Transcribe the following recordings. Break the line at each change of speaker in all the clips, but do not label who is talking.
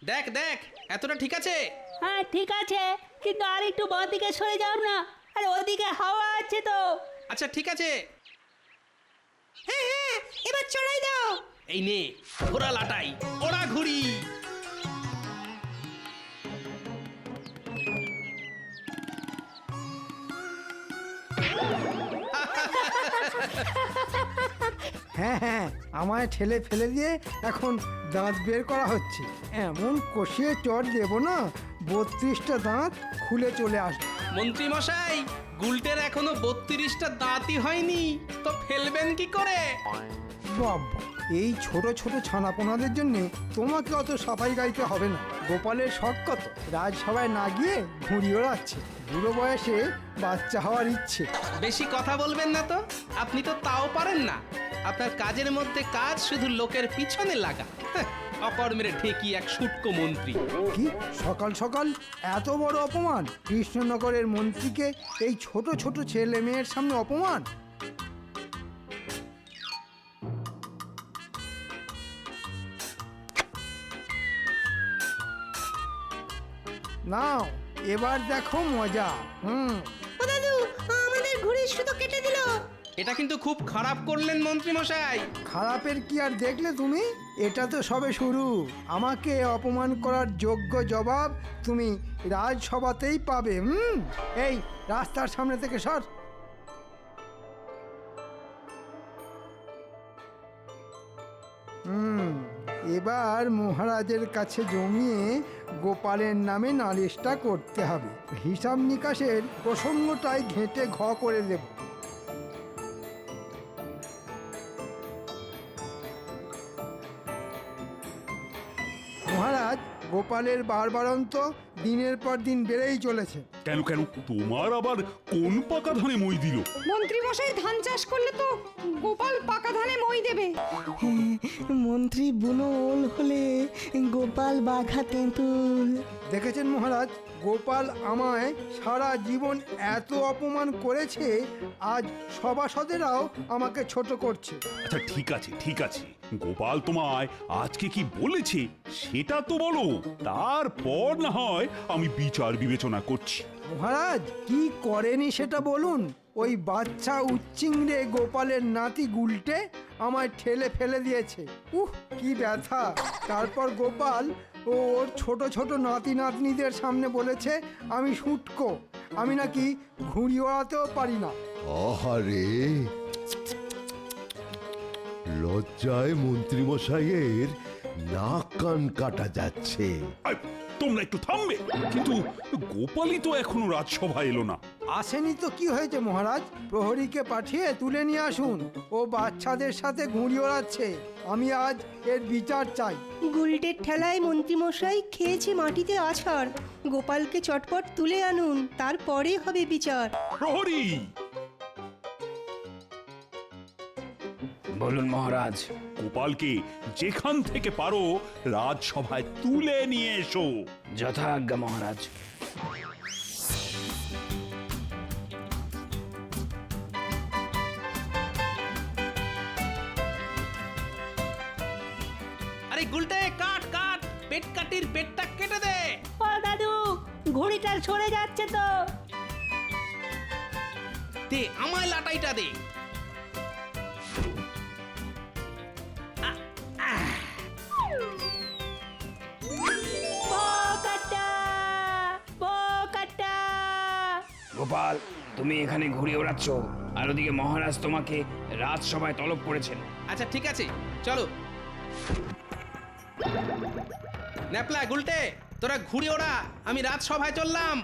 দেখ দেখ, এতটা ঠিক আছে?
হ্যাঁ ঠিক আছে, কিন্তু আর একটু বাঁ দিকে সরে যাও না, আরে ওদিকে হাওয়া আছে তো।
আচ্ছা ঠিক আছে।
হ্যাঁ হ্যাঁ, এবার চড়াই দাও।
এই নে ঘোড়া লাটাই, ওড়া ঘুড়ি।
হ্যাঁ হ্যাঁ, আমায় ঠেলে ফেলে দিয়ে এখন দাঁত বের করা হচ্ছে। এমন কষিয়ে চড় দেবো না, 32টা দাঁত খুলে চলে আসবে।
মন্ত্রী মশাই, গুলটের এখনো 32টা দাঁতই হয়নি, তো ফেলবেন কি করে?
বাবা, এই ছোট ছোট ছানাপোনাদের জন্য তোমাকে অত সাফাই গাইতে হবে না। গোপালের শখ কত, রাজসভায় না গিয়ে ঘুড়ি ওড়াচ্ছে। বুড়ো বয়সে বাচ্চা হওয়ার ইচ্ছে।
বেশি কথা বলবেন না তো, আপনি তো তাও পারেন না। আপনার কাজের মধ্যে কাজ শুধু লোকের পিছনে লাগা। হ্যাঁ, অকর্মের ঠেকি এক শুটকো মন্ত্রী।
কি সকাল সকাল এত বড় অপমান! কৃষ্ণনগরের মন্ত্রীকে এই ছোট ছোট ছেলে মেয়ের সামনে অপমান! নাও এবার দেখো মজা।
ও দাদু, আমাদের ঘুড়ির সুতো কেটে দিল।
এটা কিন্তু খুব খারাপ করলেন মন্ত্রী মশাই।
খারাপের কি আর দেখলে তুমি? এটা তো সবে শুরু। আমাকে অপমান করার যোগ্য জবাব তুমি রাজসভাতেই পাবে। এই রাস্তার সামনে থেকে সর। এবার মহারাজের কাছে জমিয়ে গোপালের নামে নালিশটা করতে হবে। হিসাব নিকাশের প্রসঙ্গটাই ঘেঁটে ঘ করে দেব। মহারাজ, গোপালের বারবারন্ত দিনের পর দিন বেড়েই চলেছে।
কেন কেন, তোমার আবার কোন পাকা ধানে মই দিল?
মন্ত্রী মশাই ধান চাষ করলে তো গোপাল পাকা ধানে মই দেবে।
মন্ত্রী বুনো ওল হলে গোপাল বাঘা তেঁতুল।
দেখেছেন মহারাজ, গোপাল আমায় সারা জীবন এত অপমান করেছে, আজ সভাসদেরাও আমাকে ছোট করছে।
আচ্ছা ঠিক আছে ঠিক আছে, গোপাল তোমায় আজকে কি বলেছে সেটা তো বলো, তারপর না হয় আমি বিচার বিবেচনা করছি।
মহারাজ, কি করেনি সেটা বলুন। ওই বাচ্চা উচ্চিংড়ে গোপালের নাতি গুলটে আমায় ঠেলে ফেলে দিয়েছে। কি ব্যথা! তারপর গোপাল ও ওর ছোট ছোট নাতি নাতনিদের সামনে বলেছে আমি শুটকো, আমি নাকি ঘুড়ি ওড়াতেও পারি না।
আহারে, লজ্জায় মন্ত্রীমশাইয়ের নাক কান কাটা যাচ্ছে।
আই, তোমরা একটু থামবে? কিন্তু গোপালই তো এখনো রাজসভায় এলো না।
আসেনি তো কি হয়েছে মহারাজ? প্রহরীকে পাঠিয়ে তুলে নিয়ে আসুন। ও বাচ্চাদের সাথে ঘুড়ি ওড়াচ্ছে। আমি আজ এর বিচার চাই।
গুলটের ঠেলায় মন্ত্রী মশাই খেয়েছে মাটিতে আছাড়। গোপালকে চটপট তুলে আনুন, তারপরে হবে বিচার।
প্রহরী!
বলুন মহারাজ।
গোপালকে যেখান থেকে পারো রাজসভায় তুলে নিয়ে এসো।
যথা আজ্ঞা মহারাজ।
আরে গুলটে, কাট কাট, পেট কাটির পেটটা কেটে দে।
ও দাদু, ঘুড়িটা সরে যাচ্ছে তো।
দে আমায় লাটাইটা দে।
বোকাটা, বোকাটা।
গোপাল, তুমি এখানে ঘুরে ওড়াচ্ছ, আর ওদিকে মহারাজ তোমাকে রাজসভায় তলব করেছেন।
আচ্ছা ঠিক আছে, চলো। ন্যাপলা গুলটে, তোরা ঘুরে ওড়া, আমি রাজসভায় চললাম।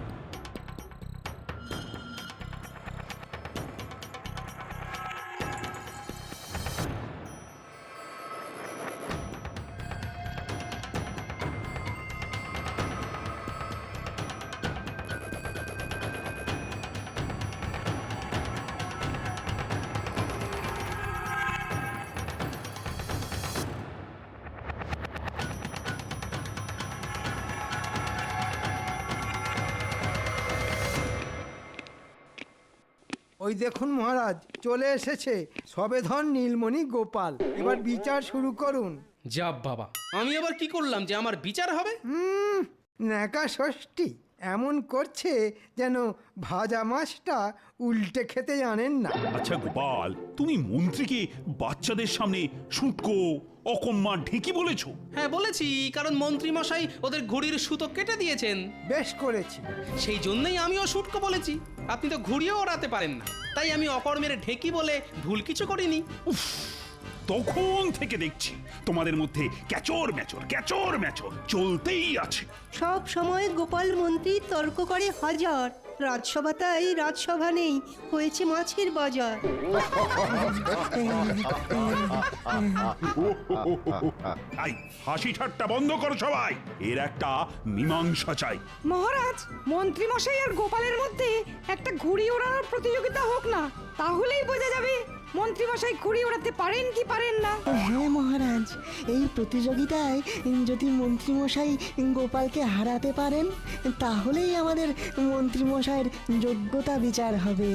ওই দেখুন মহারাজ, চলে এসেছে সবেধন নীলমণি গোপাল। এবার বিচার শুরু করুন।
যা বাবা, আমি আবার কি করলাম যে আমার বিচার হবে?
ন্যাকা ষষ্ঠী এমন করছে যেন ভাজা মাছটা উল্টে খেতে জানেন না।
আচ্ছা গোপাল, তুমি মন্ত্রীকে বাচ্চাদের সামনে শুটকো অকম্মা ঢেকি বলেছো?
হ্যাঁ বলেছি, কারণ মন্ত্রী মশাই ওদের ঘুড়ির সুতো কেটে দিয়েছেন।
বেশ করেছি।
সেই জন্যই আমিও শুটকো বলেছি। আপনি তো ঘুড়িও ওড়াতে পারেন না, তাই আমি অকর্মের ঢেকি বলে ভুল কিছু করিনি।
তখন থেকে দেখছি তোমাদের মধ্যে ক্যাচর ম্যাচর চলতেই আছে।
সব সময় গোপাল মন্ত্রী তর্ক করে হাজার, রাজসভা তাই রাজসভা নেই, হয়েছে মাছের বাজার।
এই হাসি ঠাট্টা বন্ধ করো সবাই, এর একটা মীমাংসা চাই।
মহারাজ, মন্ত্রী মশাই আর গোপালের মধ্যে একটা ঘুড়ি ওড়ানোর প্রতিযোগিতা হোক না, তাহলেই বোঝা যাবে মন্ত্রী মশাই ঘুড়ি ওড়াতে পারেন কি পারেন না।
হ্যাঁ মহারাজ, এই প্রতিযোগিতায় যদি মন্ত্রীমশাই গোপালকে হারাতে পারেন তাহলেই আমাদের মন্ত্রীমশাইয়ের যোগ্যতা বিচার হবে।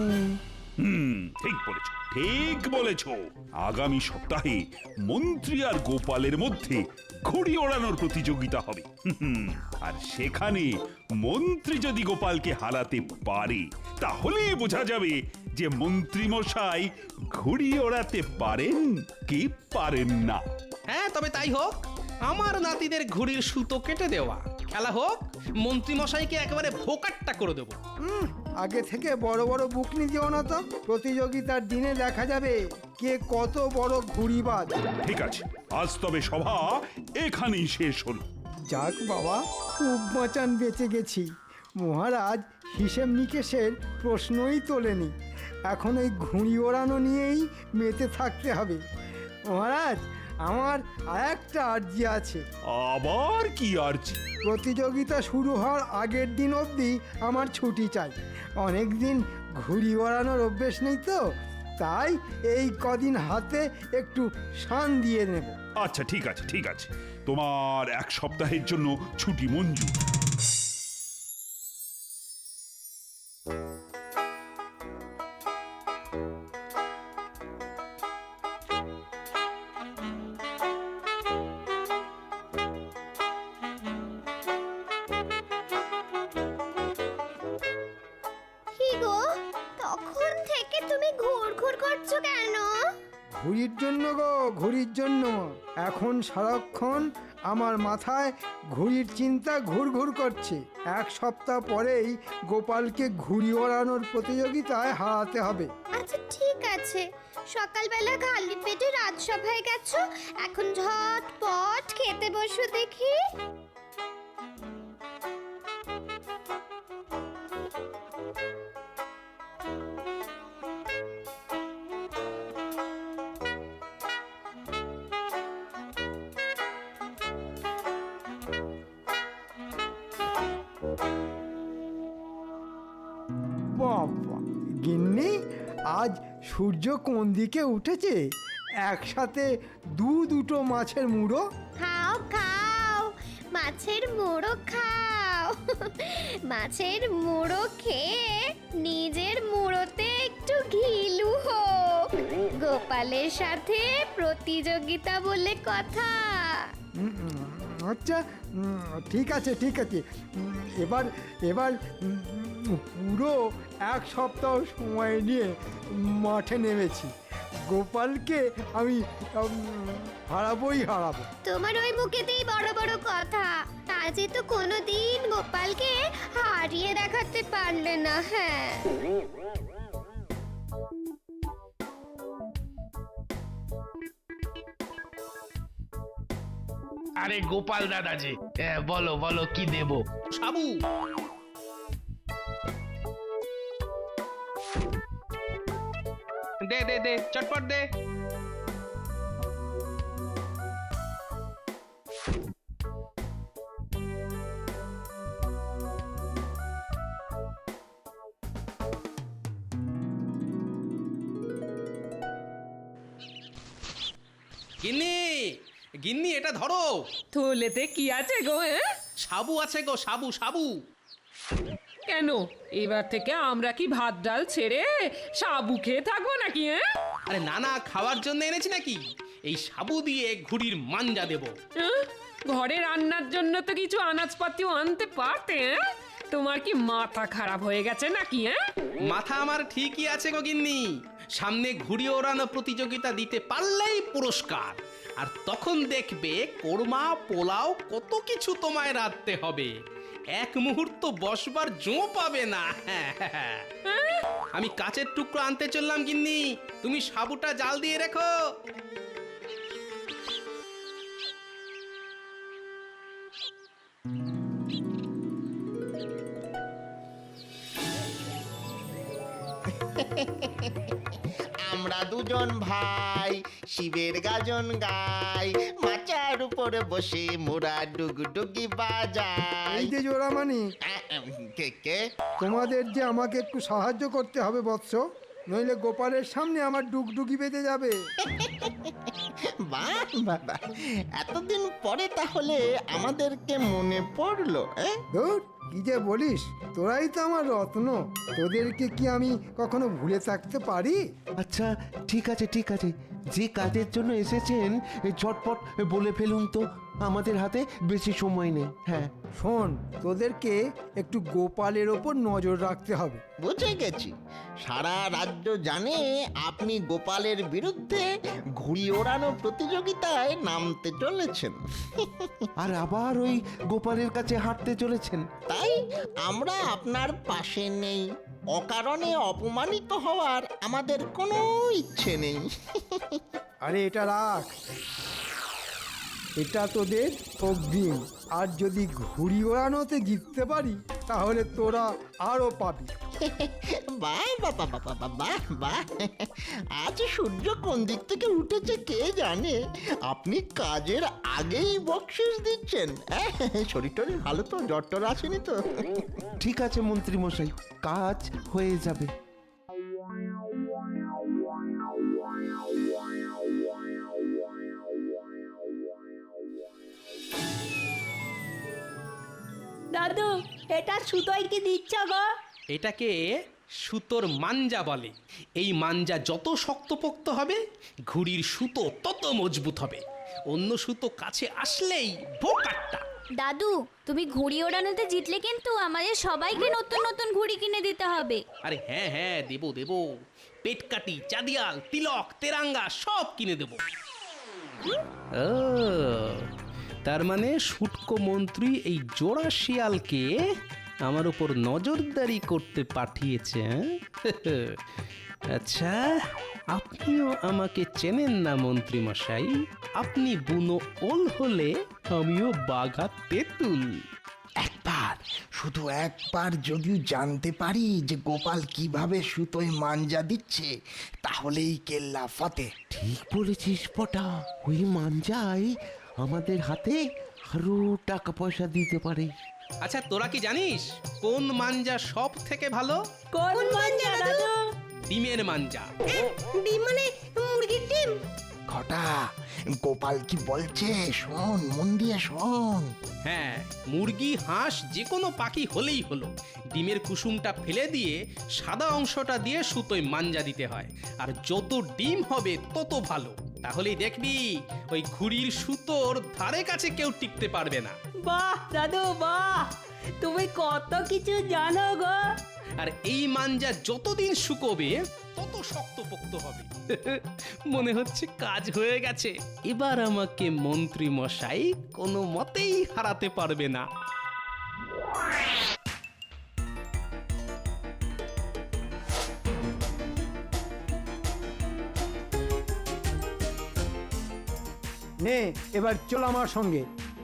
ঠিক বলেছো। আগামী সপ্তাহে মন্ত্রী আর গোপালের মধ্যে ঘুড়ি ওড়ানোর প্রতিযোগিতা হবে। আর সেখানে মন্ত্রী যদি গোপালকে হারাতে পারে তাহলেই বোঝা যাবে যে মন্ত্রী মশাই ঘুড়ি ওড়াতে পারেন কি পারেন না।
হ্যাঁ, তবে তাই হোক। আমার নাতিদের ঘুড়ির সুতো কেটে দেওয়া, খেলা হোক। মন্ত্রী মশাইকে একেবারে ভোকাট্টা করে দেবো।
আগে থেকে বড় বড় বুকনি দিও না তো, প্রতিযোগিতার দিনে দেখা যাবে কে কত বড় ঘুড়িবাজ।
ঠিক আছে, আজ তবে সভা এখানেই শেষ হলো।
যাক বাবা, খুব বাঁচান বেঁচে গেছি। মহারাজ হিসেব নিকেশের প্রশ্নই তোলেনি, এখন ওই ঘুড়ি ওড়ানো নিয়েই মেতে থাকতে হবে। মহারাজ, আমার আরেকটা আর্জি আছে।
আবার কি আর্জি?
প্রতিযোগিতা শুরু হওয়ার আগের দিন অবধি আমার ছুটি চাই। অনেক দিন ঘুড়ি ওড়ানোর অভ্যেস নেই তো, তাই এই কদিন হাতে একটু শান দিয়ে নেব।
আচ্ছা ঠিক আছে, তোমার এক সপ্তাহের জন্য ছুটি মঞ্জুর।
কি গো, তখন থেকে তুমি ঘুরঘুর করছো কেন?
ঘুড়ির জন্য গো, ঘুড়ির জন্য। এখন সারাক্ষণ আমার মাথায় ঘুড়ির চিন্তা ঘুরঘুর করছে। এক সপ্তাহ পরেই গোপালকে ঘুড়ি ওড়ানোর প্রতিযোগিতায় হারাতে হবে।
আচ্ছা ঠিক আছে, সকালবেলা খালি পেটে রাজসভায় গেছো, এখন ঝটপট খেতে বসো দেখি।
বাবা, গিন্নি আজ সূর্য কোন দিকে উঠেছে? একসাথে দুটো মাছের মুড়ো।
খাও খাও, মাছের মুড়ো খাও। মাছের মুড়ো খেয়ে নিজের মুড়োতে একটু ঘিলু হোক। গোপালের সাথে প্রতিযোগিতা বলে কথা।
আচ্ছা ঠিক আছে। এবার পুরো এক সপ্তাহ সময় নিয়ে মাঠে নেমেছি। গোপালকে আমি হারাবো।
তোমার ওই মুখেতেই বড় বড় কথা, আজে তো কোনোদিন গোপালকে হারিয়ে দেখাতে পারলে না। হ্যাঁ,
আরে গোপাল দাদা যে, বলো বলো কি দেব?
সাবু, দে চটপট দে। গিন্নি এটা ধরো।
থলেতে কি আছে গো?
সাবু আছে গো, সাবু।
কেন, এবার থেকে আমরা কি ভাত ডাল ছেড়ে সাবু খেয়ে থাকবো নাকি?
আরে না, খাওয়ার জন্য এনেছি নাকি। এই সাবু দিয়ে ঘুড়ির মাঞ্জা দেব।
ঘরে রান্নার জন্য তো কিছু আনাজপাতিও আনতে পারতে। তোমার কি মাথা খারাপ হয়ে গেছে নাকি?
মাথা আমার ঠিকই আছে গো গিন্নি। সামনে ঘুড়ি ওড়ানো প্রতিযোগিতা দিতে পারলেই পুরস্কার। আর তখন দেখবে কোরমা পোলাও কত কিছু তোমায় রাঁধতে হবে, এক মুহূর্ত বসবার জো পাবে না। আমি কাচের টুকরো আনতে চললাম গিন্নি, তুমি সাবুটা জাল দিয়ে রেখো।
আমরা দুজন ভাই শিবের গাজন গাই, মাচার উপরে বসে মোরা ডুগডুগি বাজাই।
এই যে জোড়ামানি,
কে কে?
তোমাদের যে আমাকে একটু সাহায্য করতে হবে বৎস, নইলে গোপালের সামনে আমার ডুগডুগি বেঁধে যাবে।
বাহ বাবা, এতদিন পরে তাহলে আমাদেরকে মনে পড়লো।
ধুর, কি যে বলিস, তোরাই তো আমার রত্ন, তোদেরকে কি আমি কখনো ভুলে থাকতে পারি?
আচ্ছা ঠিক আছে ঠিক আছে, যে কাজের জন্য এসেছেন ঝটপট বলে ফেলুন তো, আমাদের হাতে বেশি সময় নেই। হ্যাঁ
শোন, তোদেরকে একটু গোপালের ওপর নজর রাখতে হবে।
বুঝে গেছি, সারা রাজ্য জানে আপনি গোপালের বিরুদ্ধে ঘুড়ি ওড়ানো প্রতিযোগিতায় নামতে চলেছেন।
আর আবার ওই গোপালের কাছে হাঁটতে চলেছেন।
তাই আমরা আপনার পাশে নেই, অকারণে অপমানিত হওয়ার আমাদের কোনো ইচ্ছে নেই।
আরে এটা রাখ, এটা তোদের অগ্রিম। আর যদি ঘুড়ি ওড়ানোতে জিততে পারি তাহলে তোরা আরো পাবি।
বাহ বাবা বাবা বাবা বাহ, আজ সূর্য কোন দিক থেকে উঠেছে কে জানে, আপনি কাজের আগেই বকশিস দিচ্ছেন। শরীর টরীর ভালো তো, জ্বর টর আসেনি তো?
ঠিক আছে মন্ত্রী মশাই, কাজ হয়ে যাবে।
দাদু, এটা সুতোয় কি দিচ্ছ গো?
এটাকে সুতোর মাঞ্জা বলে। এই মাঞ্জা যত শক্তপোক্ত হবে ঘুড়ির সুতো তত মজবুত হবে। অন্য সুতো কাছে আসলেই ভোকাট্টা।
দাদু, তুমি ঘুড়ি ওড়ানোতে জিতলে কিন্তু আমাদের সবাইকে নতুন নতুন ঘুড়ি কিনে দিতে হবে।
আরে হ্যাঁ হ্যাঁ, দেবো দেবো, পেটকাটি, চাঁদিয়াল, তিলক, তেরাঙ্গা সব কিনে দেবো। ও, তার মানে শুটকো মন্ত্রী এই জোড়া শিয়ালকে আমার উপর নজরদারি করতে পাঠিয়েছে। আচ্ছা, আপনিও আমাকে চেনেন না মন্ত্রী মশাই? আপনি বুনো ওল হলে আমিও বাঘা তেঁতুল।
একবার, শুধু একবার যদি জানতে পারি যে গোপাল কিভাবে সুতোয় মাঞ্জা দিচ্ছে, তাহলেই কেল্লা ফতে।
ঠিক বলেছিস পটা, ওই মাঞ্জাই আমাদের হাতে আরো টাকা পয়সা দিতে পারে।
আচ্ছা, তোরা কি জানিস কোন মাঞ্জা সব থেকে ভালো?
কোন মাঞ্জা দাদু?
ডিমের মাঞ্জা।
ডিম মানে মুরগির ডিম?
ঘটা, গোপাল কি বলছে শোন, মন দিয়ে শোন।
হ্যাঁ, মুরগি, হাঁস, যে কোনো পাখি হলেই হলো। ডিমের কুসুমটা ফেলে দিয়ে সাদা অংশটা দিয়ে সুতোয় মাঞ্জা দিতে হয়। আর যত ডিম হবে তত ভালো। তাহলেই দেখবি ওই ঘুড়ির সুতোর ধারে কাছে কেউ টিকতে পারবে না।
বাহ দাদু বাহ, তুমি কত কিছু জানো গো।
আর এই মাঞ্জা যতদিন শুকোবে তত শক্তপোক্ত হবে। মনে হচ্ছে কাজ হয়ে গেছে। এবার আমাকে মন্ত্রী মশাই কোনো মতেই হারাতে পারবে না।
নে, এবার চল আমার সঙ্গে।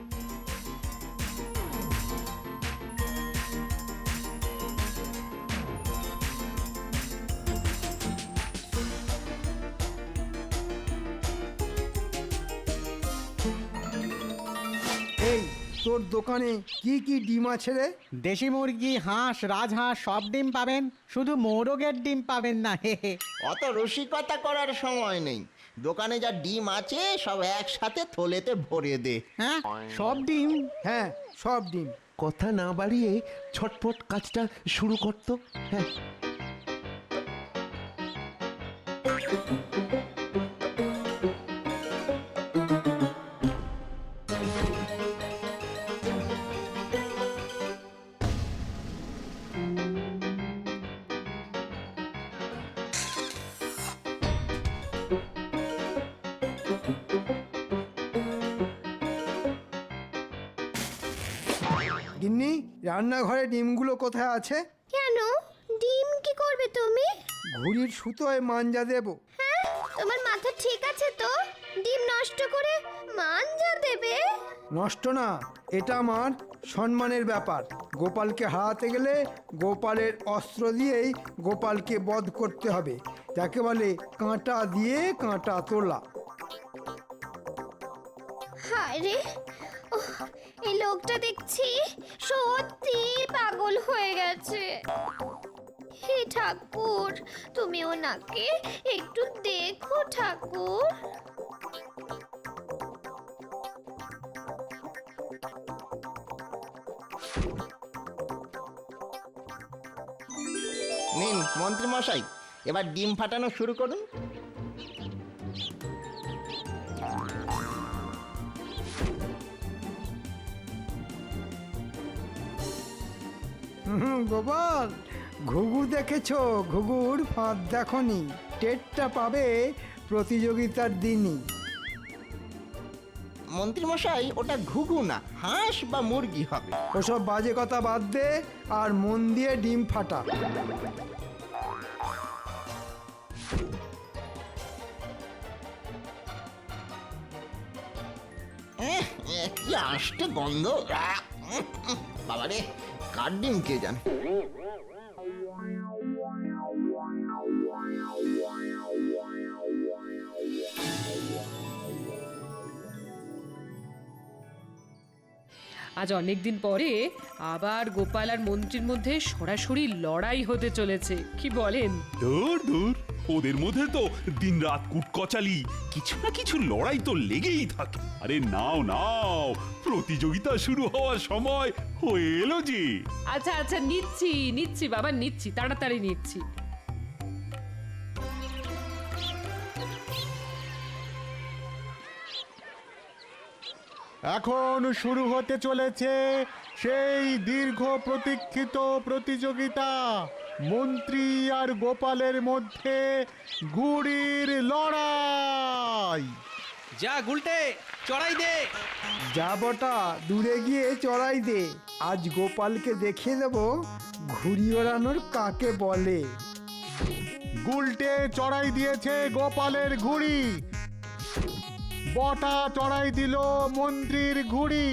এই, তোর দোকানে কি কি ডিম আছে রে?
দেশি মুরগি, হাঁস, রাজহাঁস সব ডিম পাবেন, শুধু মোরগের ডিম পাবেন না।
অত রসিকতা করার সময় নেই, দোকানে যা ডিম আছে সব একসাথে থলেতে ভরে দে।
হ্যাঁ, সব ডিম?
হ্যাঁ, সব ডিম।
কথা না বাড়িয়ে ছটপট কাজটা শুরু করতো। হ্যাঁ,
গিন্নি, রান্নাঘরে ডিমগুলো কোথায় আছে?
কেন ডিম কি করবে তুমি?
ঘুড়ির সুতোয় মাঞ্জা দেব।
হ্যাঁ, তোমার মাথা ঠিক আছে তো? ডিম নষ্ট করে মাঞ্জা দেবে?
নষ্ট না, এটা আমার সম্মানের ব্যাপার। গোপালকে হারাতে গেলে গোপালের অস্ত্র দিয়েই গোপালকে বধ করতে হবে, যাকে বলে কাঁটা দিয়ে কাঁটা তোলা।
হায় রে, ওহ, এই লোকটা দেখছি সত্যি পাগল হয়ে গেছে। হে ঠাকুর, তুমি ওনাকে একটু দেখো ঠাকুর।
নিন মন্ত্রী মশাই, এবার ডিম ফাটানো শুরু করুন।
গোপাল, ঘুঘু দেখেছো? ঘুঘুর ফাঁদ দেখনি, টেরটা পাবে প্রতিযোগিতার দিনই।
মন্ত্রী মশাই, ওটা ঘুঘু না, হাঁস বা মুরগি হবে।
ওসব বাজে কথা বাদ দে আর মন দিয়ে ডিম ফাটা।
কি আসতে গন্ধ! বাবারে, কার ডিম কে জানে।
আজ অনেকদিন পরে আবার গোপাল আর মন্ত্রীর মধ্যে সরাসরি লড়াই হতে চলেছে, কি বলেন?
দূর দূর, ওদের মধ্যে তো দিনরাত কুটকচালি, কিছু না কিছু লড়াই তো লেগেই থাকে। আরে নাও নাও, প্রতিযোগিতা শুরু হওয়ার সময় হয়ে এলো যে।
আচ্ছা আচ্ছা, নিচ্ছি নিচ্ছি বাবা, নিচ্ছি, তাড়াতাড়ি নিচ্ছি।
এখন শুরু হতে চলেছে সেই দীর্ঘ প্রতীক্ষিত প্রতিযোগিতা, মন্ত্রী আর গোপালের মধ্যে ঘুড়ির লড়াই।
যা গুলটে, চড়াই দে।
যা বটা, দূরে গিয়ে চড়াই দে। আজ গোপালকে দেখিয়ে দেব ঘুড়ি ওড়ানোর কাকে বলে।
গুলটে চড়াই দিয়েছে গোপালের ঘুড়ি, বটা চড়াই দিল মন্ত্রীর ঘুড়ি।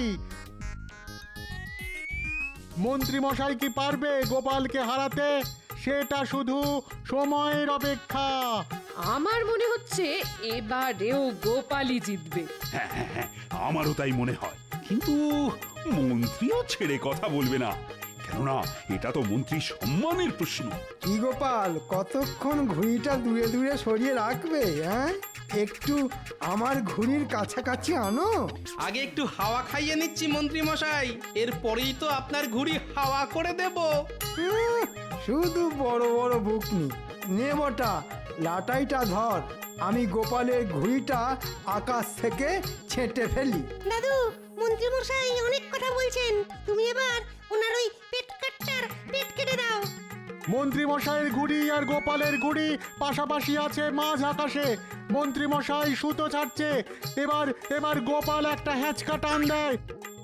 মন্ত্রী মশাই কি পারবে গোপালকে হারাতে? সেটা শুধু সময়ের অপেক্ষা।
আমার মনে হচ্ছে এবারেও গোপালই জিতবে।
হ্যাঁ হ্যাঁ হ্যাঁ, আমারও তাই মনে হয়। কিন্তু মন্ত্রীও ছেড়ে কথা বলবে না, কেননা এটা তো মন্ত্রীর সম্মানের প্রশ্ন।
কি গোপাল, কতক্ষণ ঘুড়িটা দূরে দূরে সরিয়ে রাখবে? হ্যাঁ, একটু আমার ঘুড়ির কাছাকাছি আনো।
আগে একটু হাওয়া খাইয়ে নিচ্ছি মন্ত্রী মশাই, এরপরেই তো আপনার ঘুড়ি হাওয়া করে দেব।
শুধু বড় বড় বুকনি। নে বটা, লাটাইটা ধর, আমি গোপালের ঘুড়িটা আকাশ থেকে ছেঁটে ফেলি।
দাদু, মন্ত্রী মশাই অনেক কথা বলছেন, তুমি এবার ওনার ওই পেট কাটটার পেট কেটে দাও।
মন্ত্রী মশাইয়ের ঘুড়ি আর গোপালের ঘুড়ি পাশাপাশি আছে মাঝ আকাশে। মন্ত্রী মশাই সুতো ছাড়ছে, এবার এবার গোপাল একটা হ্যাঁচকা টান দেয়।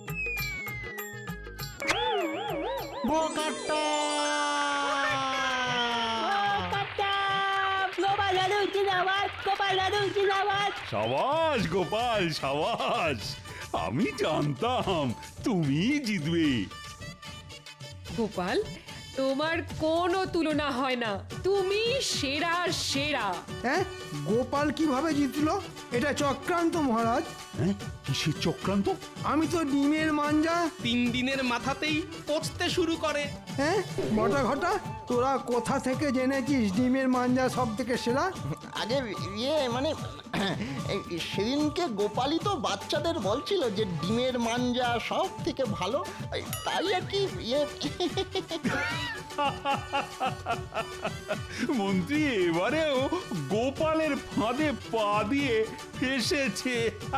বোকাট্টা!
গোপাল দাদু জিন্দাবাদ, গোপাল দাদু জিন্দাবাদ।
সাবাস গোপাল, সাবাস! আমি জানতাম তুমি জিতবে।
গোপাল, তোমার কোনো তুলনা হয় না, তুমি সেরা সেরা।
হ্যাঁ, গোপাল কিভাবে জিতলো? এটা চক্রান্ত মহারাজ।
হ্যাঁ, কিসের চক্রান্ত?
আমি তো ডিমের মাঞ্জা
3 দিনের মাথাতেই পচতে শুরু করে।
হ্যাঁ, বটা ঘটা, তোরা কোথা থেকে জেনেছিস ডিমের মাঞ্জা সব থেকে সেরা?
আগে মানে সেদিনকে গোপালই তো বাচ্চাদের বলছিল যে ডিমের মাঞ্জা সব থেকে ভালো, তাই আর কি
মন্ত্রী এবারেও গোপালের ফাঁদে পা দিয়ে ফেসেছে।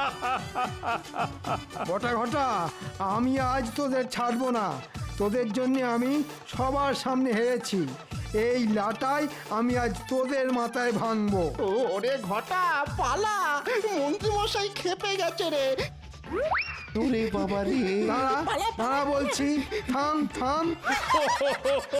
বটা ঘটা, আমি আজ তোদের ছাড়বো না। তোদের জন্য আমি সবার সামনে হেরেছি। এই লাটাই আমি আজ তোদের মাথায় ভাঙবো।
ওরে ঘটা, পালা! মন্ত্রী মশাই খেপে গেছে রে।
ওরে বাবা রে
দাঁড়া দাঁড়া বলছি, থাম থাম।